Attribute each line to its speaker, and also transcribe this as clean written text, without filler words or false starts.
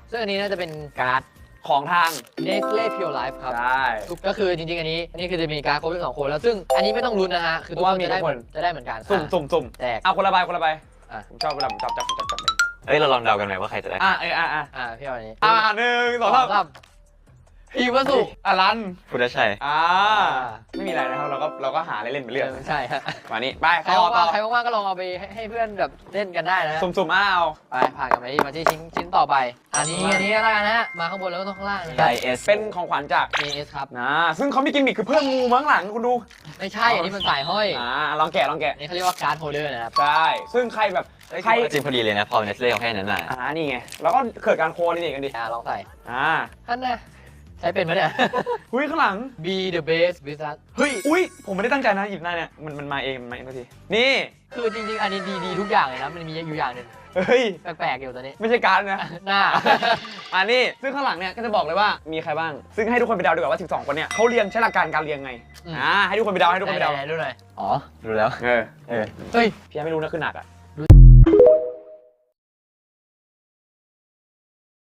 Speaker 1: ซึ่งอันนี้น่าจะเป็นการ์ด
Speaker 2: ของทาง
Speaker 1: Nestle Pure Life ครับ
Speaker 2: ใช่
Speaker 1: ก็คือจริงๆอันนี้คือจะมีการ์ดครบทั้ง2 คนแล้วซึ่งอันนี้ไม่ต้องลุ้นนะฮะคือทุกคนจะได้เหมือนกัน
Speaker 2: สุ่ม
Speaker 1: แจก
Speaker 2: เอาคนละใบคนละใบ
Speaker 1: อ่ะ
Speaker 2: ผมชอบเวลาผมจับ
Speaker 3: เอ้ยเราลองเดากันไหมว่าใครจะได้
Speaker 1: พี่เอาอันนี้
Speaker 2: 1 2 3
Speaker 1: พีวสุ
Speaker 2: อลัน
Speaker 3: พุทธชัย
Speaker 2: ไม่มีอะไรนะครับเราก็หาเล่นๆไปเรื่อย
Speaker 1: ใช่ฮะ
Speaker 2: มานี่ไป
Speaker 1: ใคร
Speaker 2: ต่อ
Speaker 1: ว่างๆก็ลองเอาไปให้เพื่อนแบบเล่นกันได้นะ
Speaker 2: สุ่มเอา
Speaker 1: ไปผ่านกันไปมาที่ชิ้นต่อไปอันนี้แล้วกันนะฮะมาข้างบนแล้วก็ต้องข้างล่าง
Speaker 3: ไดเอส
Speaker 2: เป็นของขวัญจาก
Speaker 1: AS ครับ
Speaker 2: นะซึ่งเขามีกิมมิคคือเพิ่มงูมาข้างหลังคุณดู
Speaker 1: ไม่ใช่อันนี้มันสายห้อย
Speaker 2: ลองแกะ
Speaker 1: อันนี้เขาเรียกว่าการ์ดโฮลเดอร์นะครับ
Speaker 2: ใช่ซึ่งใครแบบใคร
Speaker 3: จริงพอดีเลยนะพอเนสเล่เขาให้นั้นมา
Speaker 2: นี่ไงแล้วก็เกิดการโคนี่กันดิ
Speaker 1: ลองใส่ ท่านนะใช้เป็นไหมเนี่ย
Speaker 2: หุ้ยข้างหลัง
Speaker 1: Be the best wizard
Speaker 2: เฮ้ยอุ้ยผมไม่ได้ตั้งใจนะหยิบหน้าเนี่ยมันมาเองทีนี่
Speaker 1: คือจริงๆอันนี้ดีทุกอย่างเลยนะมันมีอยู่อย่างหนึง
Speaker 2: เฮ้ย
Speaker 1: แปลกๆอยู่ตอนนี้
Speaker 2: ไม่ใช่การ์ดนะ
Speaker 1: หน้า
Speaker 2: นี่ซึ่งข้างหลังเนี่ยก็จะบอกเลยว่ามีใครบ้างซึ่งให้ทุกคนไปเดาดีกว่าว่า12คนเนี่ยเขาเรียงใช้หลักการการเรียงไงให้ทุกคนไปเดาให้ทุกคนไปเดา
Speaker 1: ดูหน่อย
Speaker 3: อ๋อรู้แล้ว
Speaker 2: เออ
Speaker 1: เฮ้ย
Speaker 2: พี่ยังไม่รู้นะคือหนักอ่ะ